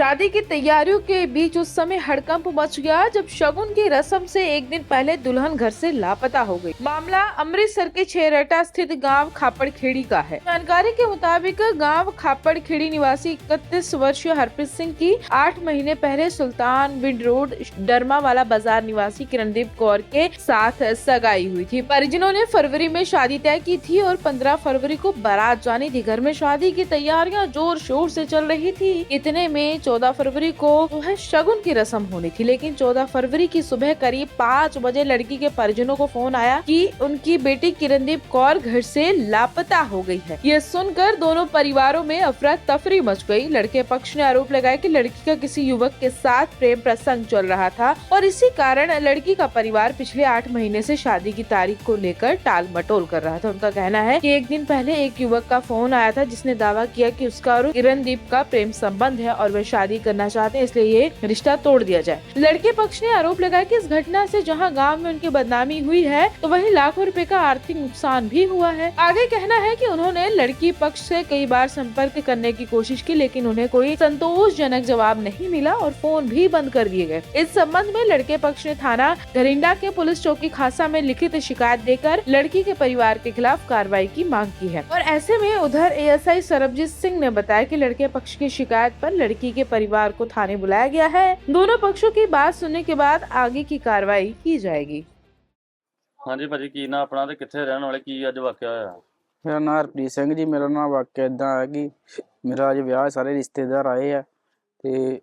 शादी की तैयारियों के बीच उस समय हड़कंप मच गया जब शगुन की रस्म से एक दिन पहले दुल्हन घर से लापता हो गई। मामला अमृतसर के छेरटा स्थित गांव खापड़खेड़ी का है। जानकारी के मुताबिक गांव खापड़खेड़ी निवासी 31 वर्षीय हरप्रीत सिंह की 8 महीने पहले सुल्तान विंड रोड डरमावाला बाजार निवासी किरणदीप कौर के साथ सगाई हुई थी। परिजनों ने फरवरी में शादी तय की थी और 15 फरवरी को बारात जानी थी। घर में शादी की तैयारियां जोर शोर से चल रही थी। इतने में 14 फरवरी को जो है शगुन की रस्म होनी थी, लेकिन 14 फरवरी की सुबह करीब 5 बजे लड़की के परिजनों को फोन आया कि उनकी बेटी किरणदीप कौर घर से लापता हो गई है। यह सुनकर दोनों परिवारों में अफरा तफरी मच गई। लड़के पक्ष ने आरोप लगाया कि लड़की का किसी युवक के साथ प्रेम प्रसंग चल रहा था और इसी कारण लड़की का परिवार पिछले 8 महीने से शादी की तारीख को लेकर टाल मटोल कर रहा था। उनका कहना है कि एक दिन पहले एक युवक का फोन आया था जिसने दावा किया कि उसका और किरणदीप का प्रेम संबंध है और वे शादी करना चाहते हैं, इसलिए ये रिश्ता तोड़ दिया जाए। लड़के पक्ष ने आरोप लगाया कि इस घटना से जहां गांव में उनकी बदनामी हुई है तो वहीं लाखों रुपए का आर्थिक नुकसान भी हुआ है। आगे कहना है कि उन्होंने लड़की पक्ष से कई बार संपर्क करने की कोशिश की, लेकिन उन्हें कोई संतोषजनक जवाब नहीं मिला और फोन भी बंद कर दिए गए। इस संबंध में लड़के पक्ष ने थाना घरिंडा के पुलिस चौकी खासा में लिखित शिकायत देकर लड़की के परिवार के खिलाफ कार्रवाई की मांग की है। और ऐसे में उधर एएसआई सरबजीत सिंह ने बताया कि लड़के पक्ष की शिकायत पर लड़की के परिवार को थाने बुलाया गया है। दोनों पक्षों की बात सुनने के बाद आगे की कार्रवाई की जाएगी। हाँ जी भाजी, की ना अपना ते कित्थे रहने वाले, की अज वाकया होया? मेरा नाम हरप्रीत ਸਿੰਘ ਜੀ। ਮੇਰਾ ਨਾਮ ਵਾਕਿਆ ਇਦਾਂ ਹੈ ਕਿ ਮੇਰਾ ਅੱਜ ਵਿਆਹ ਸਾਰੇ ਰਿਸ਼ਤੇਦਾਰ ਆਏ ਆ ਤੇ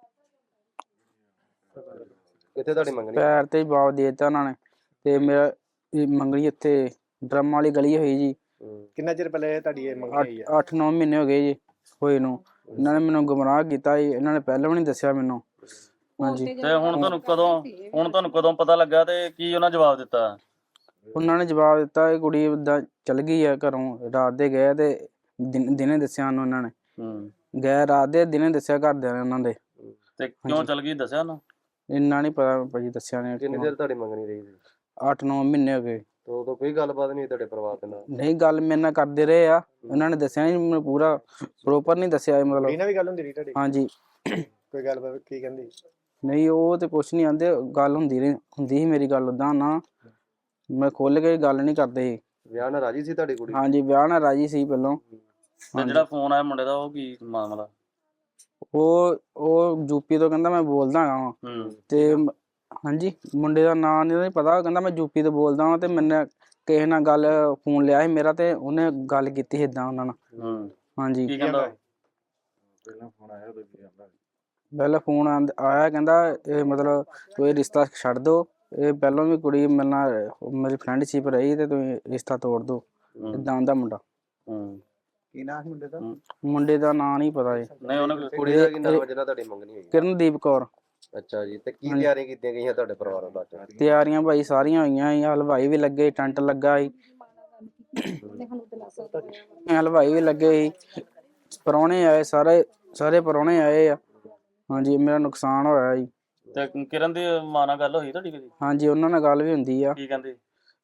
ਕਿੱਥੇ ਤੁਹਾਡੀ ਮੰਗਣੀ? ਪੈਰ ਤੇ ਜਵਾਬ ਦੇ ਦਿੱਤਾ ਉਹਨਾਂ ਨੇ ਤੇ ਮੇਰਾ ਮੰਗਣੀ ਇੱਥੇ ਡਰਮ ਵਾਲੀ ਗਲੀ ਹੋਈ ਜੀ। ਕਿੰਨਾ ਚਿਰ ਪਹਿਲੇ ਤੁਹਾਡੀ ਇਹ ਮੰਗਣੀ ਹੋਈ ਆ? 8-9 ਮਹੀਨੇ ਹੋ ਗਏ ਜੀ ਹੋਏ ਨੂੰ। ਇਹਨਾਂ ਨੇ ਮੈਨੂੰ ਗੁੰਮਰਾਹ ਕੀਤਾ ਜੀ। ਇਹਨਾਂ ਨੇ ਪਹਿਲਾਂ ਵੀ ਨਹੀਂ ਦੱਸਿਆ ਮੈਨੂੰ। ਹਾਂਜੀ, ਤੇ ਹੁਣ ਤੁਹਾਨੂੰ ਕਦੋਂ ਪਤਾ ਲੱਗਾ ਤੇ ਕੀ ਉਹਨਾਂ ਜਵਾਬ ਦਿੱਤਾ? ਉਹਨਾਂ ਨੇ ਜਵਾਬ ਦਿੱਤਾ ਇਹ ਕੁੜੀ ਏਦਾਂ ਚਲ ਗਈ ਆ ਘਰੋਂ। ਰਾਤ ਦੇ ਗਏ ਤੇ ਦਿਨੇ ਦੱਸਿਆ ਉਹਨੂੰ। ਉਹਨਾਂ ਨੇ ਗਏ ਰਾਤ ਦੇ, ਦਿਨੇ ਦੱਸਿਆ ਘਰਦਿਆਂ ਨੇ ਉਹਨਾਂ ਦੇ। ਤੇ ਕਿਉਂ ਚਲ ਗਈ ਦੱਸਿਆ ਨਾ? ਇੰਨਾ ਨਹੀਂ ਪਤਾ ਭਾਜੀ, ਦੱਸਿਆ ਨੇ। ਕਿੰਨੇ ਚਿਰ ਤੁਹਾਡੀ ਮੰਗਣੀ ਰਹੀ ਸੀ? 8-9 ਮਹੀਨੇ ਹੋ ਗਏ। ਤੇ ਉਦੋਂ ਕੋਈ ਗੱਲਬਾਤ ਨਹੀਂ ਤੁਹਾਡੇ ਪਰਿਵਾਰ ਦੇ ਨਾਲ? ਨਹੀਂ, ਗੱਲ ਮੇਰੇ ਨਾਲ ਕਰਦੇ ਰਹੇ ਆ। ਉਹਨਾਂ ਨੇ ਦੱਸਿਆ ਨਹੀਂ ਮੈਨੂੰ, ਪੂਰਾ ਪ੍ਰੋਪਰ ਨਹੀਂ ਦੱਸਿਆ ਮਤਲਬ। ਇਹਨਾਂ ਵੀ ਗੱਲ ਹੁੰਦੀ ਰਹੀ ਤੁਹਾਡੀ? ਹਾਂਜੀ। ਕੋਈ ਗੱਲਬਾਤ ਕੀ ਕਹਿੰਦੀ? ਨਹੀਂ, ਉਹ ਤੇ ਕੁਛ ਨਹੀਂ ਆਂਦੇ। ਗੱਲ ਹੁੰਦੀ ਸੀ ਮੇਰੀ ਗੱਲ ਉਦਾਂ ਨਾ, ਮੈਂ ਖੁੱਲ ਕੇ ਗੱਲ ਨਹੀਂ ਕਰਦੇ। ਵਿਆਹ ਨਾਲ ਰਾਜੀ ਸੀ ਤੁਹਾਡੀ ਕੁੜੀ? ਹਾਂਜੀ, ਵਿਆਹ ਨਾਲ ਰਾਜੀ ਸੀ ਪਹਿਲਾਂ। ਤੇ ਜਿਹੜਾ ਫੋਨ ਆਇਆ ਮੁੰਡੇ ਦਾ, ਉਹ ਕੀ ਮਾਮਲਾ? ਉਹ ਯੂਪੀ ਤੋਂ ਕਹਿੰਦਾ ਮੈਂ ਬੋਲਦਾ ਹਾਂ ਤੇ ਹਾਂਜੀ, ਮੁੰਡੇ ਦਾ ਨਾਂ ਨਹੀਂ ਪਤਾ। ਕਹਿੰਦਾ ਮੈਂ ਯੂਪੀ ਤੋਂ ਬੋਲਦਾ ਹਾਂ ਤੇ ਮੈਨੇ ਕਿਸੇ ਨਾਲ ਗੱਲ ਫੋਨ ਲਿਆ ਸੀ ਮੇਰਾ ਤੇ ਉਹਨੇ ਗੱਲ ਕੀਤੀ ਸੀ ਏਦਾਂ ਉਹਨਾਂ ਨਾਲ। ਹਾਂਜੀ। ਕੀ ਕਹਿੰਦਾ? ਪਹਿਲਾਂ ਫੋਨ ਆਇਆ, ਕਹਿੰਦਾ ਇਹ ਮਤਲਬ ਤੁਸੀਂ ਰਿਸ਼ਤਾ ਛੱਡ ਦੋ। ਇਹ ਪਹਿਲਾਂ ਵੀ ਕੁੜੀ ਮੇਰੇ ਨਾਲ ਮੇਰੀ ਫਰੈਂਡਸ਼ਿਪ ਰਹੀ ਤੇ ਤੁਸੀਂ ਰਿਸ਼ਤਾ ਤੋੜ ਦੋ, ਏਦਾਂ ਦਾ ਮੁੰਡਾ। ਕੀ ਨਾਮ ਸੀ ਮੁੰਡੇ ਦਾ? ਮੁੰਡੇ ਦਾ ਨਾਂ ਨਹੀਂ ਪਤਾ ਜੀ। ਨਹੀਂ, ਉਹਨੇ ਕੁੜੀ ਦਾ ਕੀ ਨਾਮ ਜਿਹਨਾਂ ਤੁਹਾਡੀ ਮੰਗਣੀ ਹੋਈ? ਕਿਰਨਦੀਪ ਕੌਰ। ਅੱਛਾ ਜੀ। ਤੇ ਕੀ ਤਿਆਰੀਆਂ ਕੀਤੀਆਂ ਗਈਆਂ ਤੁਹਾਡੇ ਪਰਿਵਾਰ ਵੱਲੋਂ? ਤਿਆਰੀਆਂ ਭਾਈ ਸਾਰੀਆਂ ਹੋਈਆਂ ਸੀ। ਹਲਵਾਈ ਵੀ ਲੱਗੇ, ਟੈਂਟ ਲੱਗਾ ਸੀ, ਹਲਵਾਈ ਵੀ ਲੱਗੇ ਸੀ, ਪ੍ਰਾਹੁਣੇ ਆਏ, ਸਾਰੇ ਪ੍ਰਾਹੁਣੇ ਆਏ ਆ। ਹਾਂਜੀ, ਮੇਰਾ ਨੁਕਸਾਨ ਹੋਇਆ ਜੀ। ਤੇ ਕਿਰਨ ਦੀ ਮਾਂ ਨਾਲ ਗੱਲ ਹੋਈ ਤੁਹਾਡੀ ਕਦੀ? ਹਾਂਜੀ, ਉਹਨਾਂ ਨਾਲ ਗੱਲ ਵੀ ਹੁੰਦੀ ਆ। ਕੀ ਕਹਿੰਦੇ?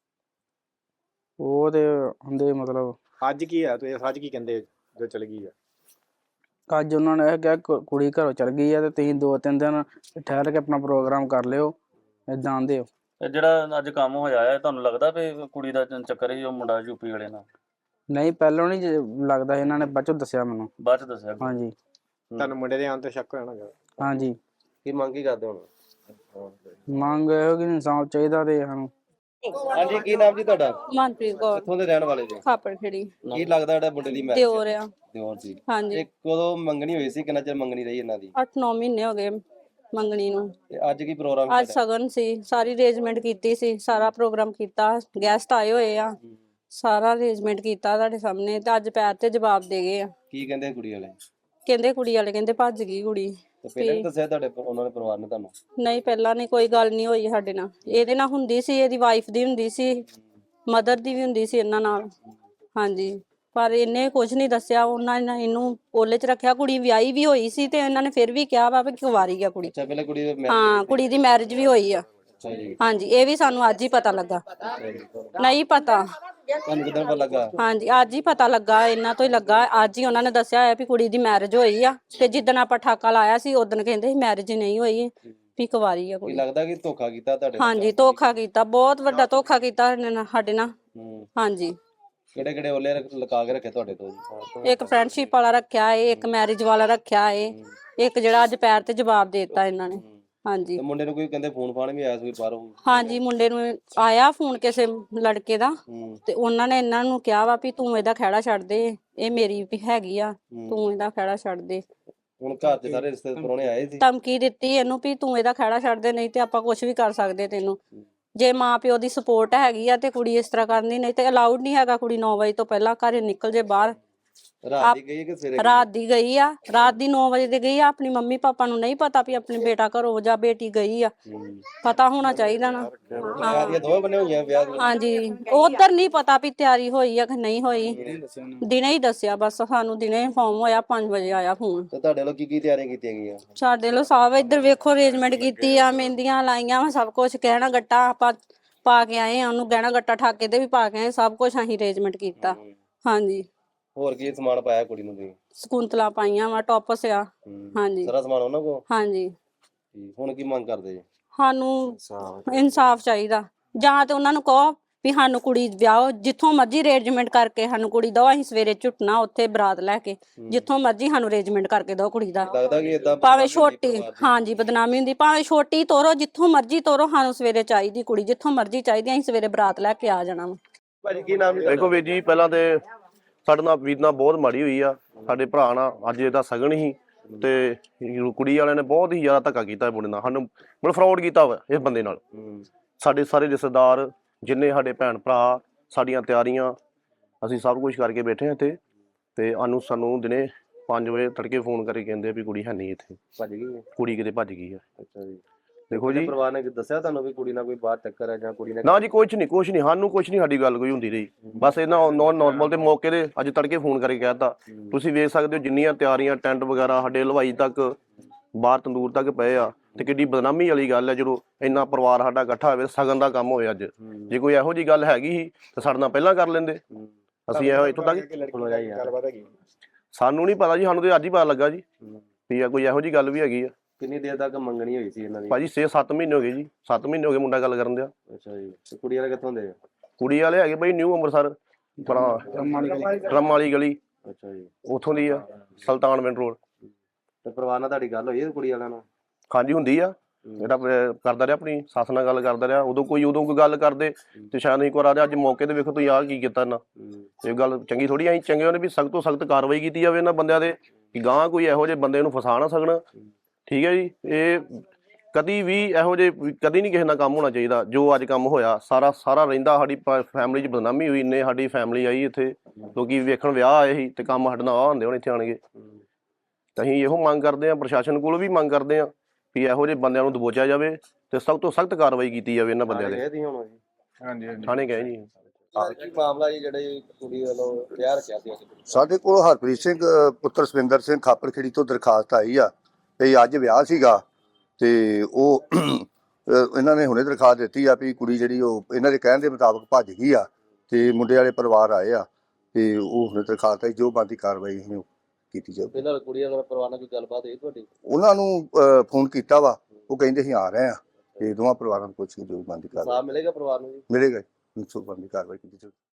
ਉਹ ਤੇ ਹੁੰਦੇ ਮਤਲਬ ਅੱਜ ਕੀ ਆ? ਤੁਸੀਂ ਅੱਜ ਕੀ ਕਹਿੰਦੇ ਜੋ ਚਲ ਗਈ ਆ? ਅੱਜ ਉਹਨਾਂ ਨੇ ਇਹ ਕਿਹਾ ਕੁੜੀ ਘਰੋਂ ਚਲ ਗਈ ਆ ਤੇ ਤੁਸੀਂ 2-3 ਦਿਨ ਠਹਿਰ ਕੇ ਆਪਣਾ ਪ੍ਰੋਗਰਾਮ ਕਰ ਲਿਓ, ਏਦਾਂ ਆਂਦੇ ਹੋ। ਤੇ ਜਿਹੜਾ ਅੱਜ ਕੰਮ ਹੋਇਆ ਹੈ, ਤੁਹਾਨੂੰ ਲੱਗਦਾ ਵੀ ਕੁੜੀ ਦਾ ਚੱਕਰ ਸੀ ਉਹ ਮੁੰਡਾ ਯੂਪੀ ਵਾਲੇ ਨਾਲ? ਨਹੀਂ, ਪਹਿਲਾਂ ਨਹੀਂ ਲੱਗਦਾ। ਇਹਨਾਂ ਨੇ ਬਾਅਦ ਚੋਂ ਦੱਸਿਆ ਮੈਨੂੰ। ਬਾਅਦ ਚ ਦੱਸਿਆ? ਹਾਂਜੀ। ਤੁਹਾਨੂੰ ਮੁੰਡੇ ਦੇ ਆਉਣ ਤੇ ਸ਼ੱਕ ਹੋਇਆ ਨਾ? ਹਾਂਜੀ। ਕੀ ਮੰਗ ਕੀ ਕਰਦੇ ਹੁਣ? ਮੰਗ ਇਹੋ ਕਿ ਇਨਸਾਫ ਚਾਹੀਦਾ ਤੇ ਸਾਨੂੰ। ਹਾਂਜੀ, ਕੀ ਨਾਮ ਜੀ ਤੁਹਾਡਾ? ਮਨਪ੍ਰੀਤ ਕੌਰ, ਕਿੱਥੋਂ ਦੇ ਰਹਿਣ ਵਾਲੇ ਜੀ? ਖਾਪੜਖੇੜੀ। ਕੀ ਲੱਗਦਾ ਜਿਹੜਾ ਮੁੰਡੇ ਦੀ ਮੈਰਿਜ ਦਿਓਰ ਆ। ਦਿਓਰ ਜੀ। ਹਾਂਜੀ, ਤੇ ਕਦੋਂ ਮੰਗਣੀ ਹੋਈ ਸੀ? ਕਿੰਨਾ ਚਿਰ ਮੰਗਣੀ ਰਹੀ ਇਹਨਾਂ ਦੀ? 8-9 ਮਹੀਨੇ ਹੋ ਗਏ ਮੰਗਣੀ ਨੂੰ। ਤੇ ਅੱਜ ਕੀ ਪ੍ਰੋਗਰਾਮ ਅੱਜ ਸਗਨ ਸੀ, ਸਾਰੀ ਅਰੇਂਜਮੈਂਟ ਕੀਤੀ ਸੀ, ਸਾਰਾ ਪ੍ਰੋਗਰਾਮ ਕੀਤਾ, ਗੈਸਟ ਆਏ ਹੋਏ ਆ, ਸਾਰਾ ਅਰੇਂਜਮੈਂਟ ਕੀਤਾ ਤੁਹਾਡੇ ਸਾਹਮਣੇ। ਤੇ ਅੱਜ ਪੈਰ ਤੇ ਜਵਾਬ ਦੇ ਗਏ ਆ। ਕੀ ਕਹਿੰਦੇ ਕੁੜੀ ਵਾਲੇ? ਕਹਿੰਦੇ ਕੁੜੀ ਵਾਲੇ ਕਹਿੰਦੇ ਭੱਜ ਗਈ ਕੁੜੀ। ਤੇ ਪਹਿਲਾਂ ਨਹੀਂ ਦੱਸਿਆ ਤੁਹਾਡੇ ਉਹਨਾਂ ਦੇ ਪਰਿਵਾਰ ਨੇ ਤੁਹਾਨੂੰ? ਨਹੀਂ, ਪਹਿਲਾਂ ਨਹੀਂ, ਕੋਈ ਗੱਲ ਨਹੀਂ ਹੋਈ ਸਾਡੇ ਨਾਲ। ਇਹਦੇ ਨਾਲ ਹੁੰਦੀ ਸੀ, ਇਹਦੀ ਵਾਈਫ ਦੀ ਹੁੰਦੀ ਸੀ, ਮਦਰ ਦੀ ਵੀ ਹੁੰਦੀ ਸੀ ਇਹਨਾਂ ਨਾਲ। ਹਾਂਜੀ, ਪਰ ਇਹਨੇ ਕੁਝ ਨਹੀਂ ਦੱਸਿਆ। ਉਹਨਾਂ ਨੇ ਇਹਨੂੰ ਓਲੇ 'ਚ ਰੱਖਿਆ। ਕੁੜੀ ਵਿਆਹੀ ਵੀ ਹੋਈ ਸੀ ਤੇ ਇਹਨਾਂ ਨੇ ਫਿਰ ਵੀ ਕਿਹਾ ਵਾ ਵੀ ਕੁਵਾਰੀ ਆ ਕੁੜੀ। ਅੱਛਾ, ਪਹਿਲਾਂ ਕੁੜੀ ਦੇ ਹਾਂ, ਕੁੜੀ ਦੀ ਮੈਰਿਜ ਵੀ ਹੋਈ ਆ। ਅੱਛਾ ਜੀ, ਹਾਂਜੀ, ਇਹ ਵੀ ਸਾਨੂੰ ਅੱਜ ਹੀ ਪਤਾ ਲੱਗਾ। ਨਹੀਂ ਪਤਾ। ਤੁਹਾਨੂੰ ਕਿਦਾਂ ਪਤਾ ਲੱਗਾ? ਹਾਂਜੀ, ਅੱਜ ਹੀ ਪਤਾ ਲੱਗਾ, ਇਹਨਾਂ ਤੋਂ ਹੀ ਲੱਗਾ। ਅੱਜ ਹੀ ਉਹਨਾਂ ਨੇ ਦੱਸਿਆ ਹੈ ਵੀ ਕੁੜੀ ਦੀ ਮੈਰਿਜ ਹੋਈ ਆ, ਤੇ ਜਿੱਦਣ ਆਪਾਂ ਠਾਕਾ ਲਾਇਆ ਸੀ ਉਦੋਂ ਕਹਿੰਦੇ ਸੀ ਮੈਰਿਜ ਨਹੀਂ ਹੋਈ, ਵੀ ਕੁਵਾਰੀ ਆ ਕੀ ਕੁੜੀ। ਲੱਗਦਾ ਕਿ ਧੋਖਾ ਕੀਤਾ ਤੁਹਾਡੇ ਨਾਲ? ਹਾਂਜੀ, ਧੋਖਾ ਕੀਤਾ, ਬਹੁਤ ਵੱਡਾ ਧੋਖਾ ਕੀਤਾ ਇਹਨੇ ਸਾਡੇ ਨਾਲ। ਹਾਂਜੀ, ਕਿਹੜੇ ਕਿਹੜੇ ਓਲੇ ਲਗਾ ਕੇ ਰੱਖੇ ਤੁਹਾਡੇ ਤੋਂ ਜੀ? ਇੱਕ ਫਰੈਂਡਸ਼ਿਪ ਵਾਲਾ ਰੱਖਿਆ ਏ, ਇੱਕ ਮੈਰਿਜ ਵਾਲਾ ਰੱਖਿਆ ਏ, ਇੱਕ ਜਿਹੜਾ ਅੱਜ ਪੈਰ ਤੇ ਜਵਾਬ ਦੇ ਦਿੱਤਾ ਇਹਨਾਂ ਨੇ। ਹਾਂਜੀ, ਤੇ ਮੁੰਡੇ ਨੂੰ ਕੋਈ ਕਹਿੰਦੇ ਫੋਨ ਫਾਨ ਵੀ ਆਇਆ ਸੀ ਬਾਹਰੋਂ? ਹਾਂਜੀ, ਮੁੰਡੇ ਨੂੰ ਆਇਆ ਫੋਨ ਕਿਸੇ ਲੜਕੇ ਦਾ, ਤੇ ਉਹਨਾਂ ਨੇ ਇਹਨਾਂ ਨੂੰ ਕਿਹਾ ਵਾ ਵੀ ਤੂੰ ਇਹਦਾ ਖਹਿੜਾ ਛੱਡ ਦੇ, ਇਹ ਮੇਰੀ ਵੀ ਹੈਗੀ ਆ, ਤੂੰ ਇਹਦਾ ਖਹਿੜਾ ਛੱਡ ਦੇ। ਹੁਣ ਘਰ ਦੇ ਸਾਰੇ ਰਿਸ਼ਤੇ ਪਰੋਣੇ ਆਏ ਸੀ? ਧਮਕੀ ਦਿੱਤੀ ਇਹਨੂੰ ਵੀ ਤੂੰ ਇਹਦਾ ਖਹਿੜਾ ਛੱਡ ਦੇ, ਨਹੀਂ ਤੇ ਆਪਾਂ ਕੁਝ ਵੀ ਕਰ ਸਕਦੇ ਤੈਨੂੰ। ਜੇ ਮਾਂ ਪਿਓ ਦੀ ਸਪੋਰਟ ਹੈਗੀ ਆ ਤੇ ਕੁੜੀ ਇਸ ਤਰ੍ਹਾਂ ਕਰਨੀ, ਨਹੀਂ ਤੇ ਅਲਾਉਡ ਨਹੀਂ ਹੈਗਾ ਕੁੜੀ 9 ਵਜੇ ਤੋਂ ਪਹਿਲਾਂ ਘਰੇ ਨਿਕਲ ਜੇ ਬਾਹਰ। ਰਾਤ ਦੀ ਗਈ ਹੈ ਕਿ ਸਵੇਰੇ? ਰਾਤ ਦੀ ਗਈ ਆ, ਰਾਤ ਦੀ 9 ਵਜੇ ਦੀ ਗਈ ਆ। ਆਪਣੀ ਮੰਮੀ ਪਾਪਾ ਨੂੰ ਨਹੀਂ ਪਤਾ ਵੀ ਆਪਣੀ ਬੇਟਾ ਘਰੋਂ ਜਾਂ ਬੇਟੀ ਗਈ ਆ, ਪਤਾ ਹੋਣਾ ਚਾਹੀਦਾ ਨਾ। ਤਿਆਰੀਆਂ ਦੋਵੇਂ ਬਣੇ ਹੋਈਆਂ ਵਿਆਹ ਦੀਆਂ? ਹਾਂਜੀ, ਉਧਰ ਨਹੀਂ ਪਤਾ ਵੀ ਤਿਆਰੀ ਹੋਈ ਆ ਕਿ ਨਹੀਂ ਹੋਈ, ਦਿਨੇ ਹੀ ਦੱਸਿਆ ਬਸ ਸਾਨੂੰ, ਦਿਨੇ ਇਨਫੋਰਮ ਹੋਇਆ, 5 ਵਜੇ ਆਇਆ ਫੋਨ। ਤੇ ਤੁਹਾਡੇ ਵੱਲੋਂ ਕੀ ਤਿਆਰੀਆਂ ਕੀਤੀਆਂ ਗਈਆਂ? ਸਾਡੇ ਲੋ ਸਾਹਿਬ ਇੱਧਰ ਵੇਖੋ ਅਰੇਂਜਮੈਂਟ ਕੀਤੀ ਆ, ਮਹਿੰਦੀਆਂ ਲਾਈਆਂ ਵਾ, ਸਭ ਕੁਝ, ਗਹਿਣਾ ਗੱਟਾ ਆਪਾਂ ਪਾ ਕੇ ਆਏ ਆ, ਉਹਨੂੰ ਗਹਿਣਾ ਗੱਟਾ ਠਾਕੇ ਤੇ ਵੀ ਪਾ ਕੇ ਆਏ, ਸਭ ਕੁਝ ਅਸੀਂ ਅਰੇਂਜਮੈਂਟ ਕੀਤਾ। ਹਾਂਜੀ, ਹੋਰ ਕੀ ਸਮਾਨ ਪਾਇਆ ਕੁੜੀ ਨੂੰ ਤੁਸੀਂ? ਸਕੁੰਤਲਾ ਪਾਈਆਂ ਵਾ, ਟੌਪਸ ਆ। ਹਾਂਜੀ, ਸਾਰਾ ਸਮਾਨ ਉਹਨਾਂ ਕੋਲ? ਹਾਂਜੀ। ਹੁਣ ਕੀ ਮੰਗ ਕਰਦੇ ਜੀ? ਸਾਨੂੰ ਇਨਸਾਫ ਚਾਹੀਦਾ, ਜਾਂ ਤੇ ਉਹਨਾਂ ਨੂੰ ਕਹੋ ਵੀ ਸਾਨੂੰ ਕੁੜੀ ਵਿਆਹੋ, ਜਿੱਥੋਂ ਮਰਜ਼ੀ ਅਰੇਂਜਮੈਂਟ ਕਰਕੇ ਸਾਨੂੰ ਕੁੜੀ ਦਿਓ, ਅਸੀਂ ਸਵੇਰੇ ਝੁੱਟਣਾ ਉੱਥੇ ਬਰਾਤ ਲੈ ਕੇ, ਜਿੱਥੋਂ ਮਰਜ਼ੀ ਸਾਨੂੰ ਅਰੇਂਜਮੈਂਟ ਕਰਕੇ ਦਿਓ ਕੁੜੀ ਦਾ। ਲੱਗਦਾ ਕਿ ਇਦਾਂ ਭਾਵੇਂ ਛੋਟੀ, ਹਾਂਜੀ, ਬਦਨਾਮੀ ਹੁੰਦੀ, ਭਾਵੇਂ ਛੋਟੀ ਤੋਰੋ, ਜਿੱਥੋਂ ਮਰਜ਼ੀ ਤੋਰੋ, ਸਾਨੂੰ ਸਵੇਰੇ ਚਾਹੀਦੀ ਕੁੜੀ, ਜਿੱਥੋਂ ਮਰਜ਼ੀ ਚਾਹੀਦੀ, ਅਸੀਂ ਸਵੇਰੇ ਬਰਾਤ ਲੈ ਕੇ ਆ ਜਾਣਾ ਵਾ। ਭਾਜੀ ਕੀ ਨਾਮ? ਦੇਖੋ ਵੀਰ ਜੀ, ਪਹਿਲਾਂ ਤੇ ਸਾਡੇ ਨਾਲ ਵੀਰ ਨਾਲ ਬਹੁਤ ਮਾੜੀ ਹੋਈ ਆ, ਸਾਡੇ ਭਰਾ ਨਾਲ। ਅੱਜ ਇਹਦਾ ਸਗਨ ਸੀ ਤੇ ਕੁੜੀ ਵਾਲਿਆਂ ਨੇ ਬਹੁਤ ਹੀ ਜ਼ਿਆਦਾ ਧੱਕਾ ਕੀਤਾ ਮੁੰਡੇ ਨਾਲ, ਸਾਨੂੰ ਮਤਲਬ ਫਰਾਡ ਕੀਤਾ ਵਾ ਇਸ ਬੰਦੇ ਨਾਲ। ਸਾਡੇ ਸਾਰੇ ਰਿਸ਼ਤੇਦਾਰ, ਜਿੰਨੇ ਸਾਡੇ ਭੈਣ ਭਰਾ, ਸਾਡੀਆਂ ਤਿਆਰੀਆਂ, ਅਸੀਂ ਸਭ ਕੁਝ ਕਰਕੇ ਬੈਠੇ ਹਾਂ ਇੱਥੇ, ਤੇ ਸਾਨੂੰ ਦਿਨੇ 5 ਵਜੇ ਤੜਕੇ ਫੋਨ ਕਰਕੇ ਕਹਿੰਦੇ ਵੀ ਕੁੜੀ ਹੈ ਨਹੀਂ ਇੱਥੇ, ਭੱਜ ਗਈ? ਕੁੜੀ ਕਿਤੇ ਭੱਜ ਗਈ ਆ। ਅੱਛਾ ਜੀ। ਦੇਖੋ ਜੀ, ਪਰਿਵਾਰ ਨੇ ਦੱਸਿਆ ਤੁਹਾਨੂੰ ਵੀ ਕੁੜੀ ਨਾਲ ਕੋਈ ਬਾਹਰ ਚੱਕਰ ਹੈ ਜਾਂ ਕੁੜੀ ਨੇ? ਨਾ ਜੀ, ਕੁਛ ਨਹੀਂ, ਸਾਨੂੰ ਕੁਛ ਨਹੀਂ, ਸਾਡੀ ਗੱਲ ਕੋਈ ਹੁੰਦੀ ਰਹੀ। ਬਸ ਇਹਨਾਂ ਨੋਰਮਲ ਦੇ ਮੌਕੇ ਦੇ ਅੱਜ ਤੜਕੇ ਫੋਨ ਕਰਕੇ ਕਹਿਤਾ। ਤੁਸੀਂ ਵੇਖ ਸਕਦੇ ਹੋ ਜਿੰਨੀਆਂ ਤਿਆਰੀਆਂ, ਟੈਂਟ ਵਗੈਰਾ, ਸਾਡੇ ਹਲਵਾਈ ਤੱਕ, ਬਾਹਰ ਤੰਦੂਰ ਤੱਕ ਪਏ ਆ, ਤੇ ਕਿੱਡੀ ਬਦਨਾਮੀ ਵਾਲੀ ਗੱਲ ਹੈ ਜਦੋਂ ਇੰਨਾ ਪਰਿਵਾਰ ਸਾਡਾ ਇਕੱਠਾ ਹੋਵੇ, ਸਗਨ ਦਾ ਕੰਮ ਹੋਵੇ ਅੱਜ। ਜੇ ਕੋਈ ਇਹੋ ਜੀ ਗੱਲ ਹੈਗੀ ਸੀ ਤਾਂ ਸਾਡੇ ਨਾਲ ਪਹਿਲਾਂ ਕਰ ਲੈਂਦੇ, ਅਸੀਂ ਇਹੋ ਇੱਥੋਂ ਤੱਕ। ਸਾਨੂੰ ਨਹੀਂ ਪਤਾ ਜੀ, ਸਾਨੂੰ ਤੇ ਅੱਜ ਹੀ ਪਤਾ ਲੱਗਾ ਜੀ ਵੀ ਕੋਈ ਇਹੋ ਜੀ ਗੱਲ ਵੀ ਹੈਗੀ ਆ। ਕਿੰਨੀ ਦੇਰ ਤੱਕ ਮੰਗਣੀ ਹੋਈ ਸੀ ਇਹਨਾਂ ਦੀ? ਭਾਜੀ 6-7 ਮਹੀਨੇ ਹੋ ਗਏ ਜੀ, 7 ਮਹੀਨੇ ਹੋ ਗਏ ਮੁੰਡਾ ਗੱਲ ਕਰਨ ਦਿਆ। ਅੱਛਾ ਜੀ। ਤੇ ਕੁੜੀ ਵਾਲੇ ਕਿੱਥੋਂ ਦੇ? ਕੁੜੀ ਵਾਲੇ ਹੈਗੇ ਬਈ ਨਿਊ ਅੰਮ੍ਰਿਤਸਰ, ਡਰਮ ਵਾਲੀ ਗਲੀ, ਅੱਛਾ ਜੀ। ਉੱਥੋਂ ਦੀ ਆ, ਸੁਲਤਾਨਵਿੰਡ ਰੋਡ। ਤੇ ਪਰਿਵਾਰ ਨਾਲ ਤੁਹਾਡੀ ਗੱਲ ਹੋਈ ਹੈ ਕੁੜੀ ਵਾਲਿਆਂ ਨਾਲ? ਹਾਂਜੀ, ਹੁੰਦੀ ਆ। ਜਿਹੜਾ ਕਰਦਾ ਰਿਹਾ, ਆਪਣੀ ਸੱਸ ਨਾਲ ਗੱਲ ਕਰਦਾ ਰਿਹਾ, ਉਦੋਂ ਕੋਈ ਗੱਲ ਕਰਦੇ ਤੇ ਸ਼ਾਇਦ ਨਹੀਂ ਕਰਾ ਰਿਹਾ। ਅੱਜ ਮੌਕੇ ਤੇ ਵੇਖੋ ਤੁਸੀਂ ਆਹ ਕੀ ਕੀਤਾ ਇਹਨਾਂ। ਇਹ ਗੱਲ ਚੰਗੀ ਥੋੜੀ, ਅਸੀਂ ਚੰਗੇ ਉਹਨੇ ਵੀ ਸਖਤ ਤੋਂ ਸਖਤ ਕਾਰਵਾਈ ਕੀਤੀ ਜਾਵੇ ਇਹਨਾਂ ਬੰਦਿਆਂ ਦੇ, ਕਿ ਗਾਂ ਕੋਈ ਇਹੋ ਜਿਹੇ ਬੰਦੇ ਨੂੰ ਫਸਾ ਨਾ ਸਕਣ। ਠੀਕ ਹੈ ਜੀ, ਇਹ ਕਦੀ ਵੀ ਇਹੋ ਜਿਹੇ ਕਦੀ ਨਹੀਂ ਕਿਸੇ ਨਾਲ ਕੰਮ ਹੋਣਾ ਚਾਹੀਦਾ। ਜੋ ਅੱਜ ਕੰਮ ਹੋਇਆ ਸਾਰਾ ਰਹਿੰਦਾ, ਸਾਡੀ ਫੈਮਿਲੀ 'ਚ ਬਦਨਾਮੀ ਹੋਈ, ਇੰਨੇ ਸਾਡੀ ਫੈਮਿਲੀ ਆਈ ਇੱਥੇ, ਲੋਕੀ ਵੇਖਣ ਵਿਆਹ ਆਏ ਸੀ ਤੇ ਕੰਮ ਸਾਡੇ ਨਾਲ ਆਹ ਹੁੰਦੇ ਹੁਣ ਇੱਥੇ ਆਣਗੇ। ਤਾਂ ਅਸੀਂ ਇਹੋ ਮੰਗ ਕਰਦੇ ਹਾਂ, ਪ੍ਰਸ਼ਾਸਨ ਕੋਲ ਵੀ ਮੰਗ ਕਰਦੇ ਹਾਂ ਵੀ ਇਹੋ ਜਿਹੇ ਬੰਦਿਆਂ ਨੂੰ ਦਬੋਚਿਆ ਜਾਵੇ ਤੇ ਸਖਤ ਤੋਂ ਸਖਤ ਕਾਰਵਾਈ ਕੀਤੀ ਜਾਵੇ ਇਹਨਾਂ ਬੰਦਿਆਂ ਦੇ। ਥਾਣੇ ਗਏ ਜੀ। ਕੀ ਮਾਮਲਾ ਜੀ ਜਿਹੜੇ ਕੁੜੀ ਵੱਲੋਂ ਵਿਆਹ ਰੱਖਿਆ ਸੀ? ਸਾਡੇ ਕੋਲ ਹਰਪ੍ਰੀਤ ਸਿੰਘ ਪੁੱਤਰ ਸਵਿੰਦਰ ਸਿੰਘ ਖਾਪਰਖੇੜੀ ਤੋਂ ਦਰਖਾਸਤ ਆਈ ਆ ਤੇ ਅੱਜ ਵਿਆਹ ਸੀਗਾ, ਤੇ ਉਹ ਇਹਨਾਂ ਨੇ ਹੁਣੇ ਦਰਖਾਸਤ ਦਿੱਤੀ ਆ ਵੀ ਕੁੜੀ ਜਿਹੜੀ ਉਹ ਇਹਨਾਂ ਦੇ ਕਹਿਣ ਦੇ ਮੁਤਾਬਕ ਭੱਜ ਗਈ ਆ, ਤੇ ਮੁੰਡੇ ਵਾਲੇ ਪਰਿਵਾਰ ਆਏ ਆ, ਤੇ ਉਹ ਹੁਣੇ ਦਰਖਾਸਤ ਆਈ, ਜੋ ਬਣਦੀ ਕਾਰਵਾਈ ਅਸੀਂ ਕੀਤੀ ਜਾਊ। ਪਹਿਲਾਂ ਕੁੜੀ ਵਾਲੇ ਪਰਿਵਾਰ ਨਾਲ ਕੋਈ ਗੱਲਬਾਤ ਹੋਈ ਤੁਹਾਡੀ? ਉਹਨਾਂ ਨੂੰ ਫੋਨ ਕੀਤਾ ਵਾ, ਉਹ ਕਹਿੰਦੇ ਅਸੀਂ ਆ ਰਹੇ ਆ, ਤੇ ਦੋਵਾਂ ਪਰਿਵਾਰਾਂ ਨੂੰ ਪੁੱਛ ਕੇ ਜੋ ਬਣਦੀ ਕਾਰਵਾਈ ਮਿਲੇਗਾ ਪਰਿਵਾਰ ਨੂੰ ਜੀ? ਮਿਲੇਗਾ, ਬਣਦੀ ਕਾਰਵਾਈ ਕੀਤੀ ਜਾਊ।